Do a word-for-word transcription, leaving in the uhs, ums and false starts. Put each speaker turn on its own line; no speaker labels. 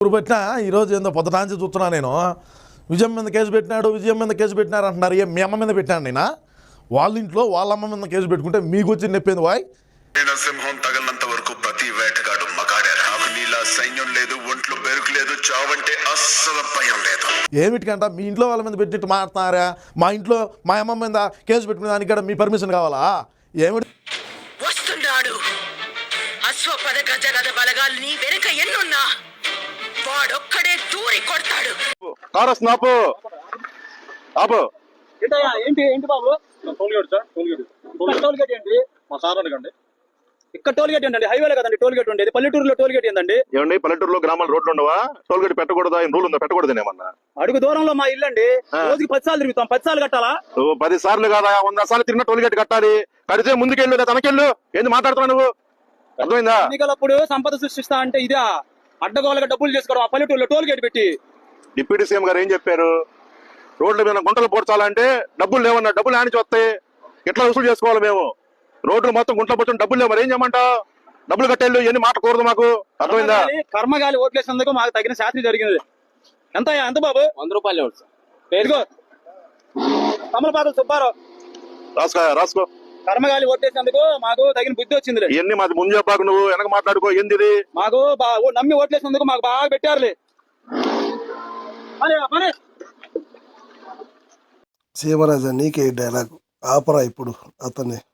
ఇప్పుడు పెట్టినా ఈరోజు ఏందో పొద్దుటాంచి చూస్తున్నా నేను విజయం మీద కేసు పెట్టినాడు విజయం మీద కేసు పెట్టినారు అంటున్నారు. ఏ మీ అమ్మ మీద పెట్టాను నేనా? వాళ్ళ ఇంట్లో వాళ్ళ అమ్మ మీద కేసు పెట్టుకుంటే మీకు వచ్చి నెప్పింది వాయ్.
సింహం తగలనంత వరకు ప్రతి వేటగాడు మగాడే. నాకు నీలా సైన్యం లేదు, ఒంట్లో బెరుకు లేదు, చావంటే అస్సలు భయం లేదు.
ఏమిటికంట మీ ఇంట్లో వాళ్ళ మీద పెట్టినట్టు మాట్లాడుతున్నారా? మా ఇంట్లో మా అమ్మ మీద కేసు పెట్టుకునే దానికి కూడా మీ పర్మిషన్ కావాలా? ఏమిటి
వస్తున్నాడు అశ్వపద గజగద బలగాల్ని వెనక ఎన్నున్నా వాడొక్కడే దూరి కొడతాడు.
కారస్ నాపు ఆపు.
ఏంటి ఏంటి బాబు?
Tollgate sir, tollgate.
టోల్గేట్ ఏంటి?
మా సార్ అడగండి.
ఇక్కడ టోల్గేట్ ఏంటండి? హైవేలో కదండి టోల్గేట్ ఉండేది. పల్లెటూరులో టోల్గేట్ ఏందండి?
ఏమండి పల్లెటూరులో గ్రామాల రోడ్లు ఉండవా? టోల్గేట్ పెట్టకూడదా? ఏం రూల్ ఉందా? పెట్టకూడదు ఏమన్నా?
అడుగు దూరంలో మా ఇల్లు అండి. రోజుకి పది సార్లు తిరుగుతాం. పది సార్లు కట్టాలా?
నువ్వు పది సార్లు కాదా వంద సార్లు తిరిగిన టోల్గేట్ కట్టాలి. కడితే ముందుకెళ్ళు లేదా తనకెళ్ళు. ఏంది మాట్లాడుతున్నావు నువ్వు? అర్థమైందా?
ఎన్నికలప్పుడు సంపద సృష్టిస్తా అంటే ఇదా అడ్డగోలుగా డబ్బులు చేసుకోవడం? ఆ పల్లెటూరులో టోల్గేట్ పెట్టి
డిప్యూటీ సీఎం గారు ఏం చెప్పారు? రోడ్ల మీద గుంటలు పోడ్చాలంటే డబ్బులు లేవన్నా. డబ్బులు ఆనిచి వస్తాయి. ఎట్లా వసూలు చేసుకోవాలి మేము? రోడ్లు మొత్తం గుంటలు పోర్చడం డబ్బులు లేవు. మరి ఏం చేయమంటావు? డబ్బులు కట్టేళ్ళు ఎన్ని మాట్లాడకూడదు మాకు. అర్థమైందా?
కర్మగాలి ఓట్లేసినందుకు మాకు తగిన శాస్త్రి జరిగింది. ఎంత ఎంత బాబు? వంద రూపాయలు ఇదిగో తమలపాకులు సుబ్బారావు
రాసుకో రాసుకో.
కర్మగాలి ఓట్లేసినందుకు మాకు తగిన బుద్ధి వచ్చింది.
ఇవన్నీ మాది ముందు చెప్పాకు. నువ్వు వెనక మాట్లాడుకో. ఏంది
మాకు నమ్మి ఓట్లేసినందుకు మాకు బాగా పెట్టారులే.
సీమరాజా నీకే డైలాగ్ ఆపరా ఇప్పుడు అతన్ని.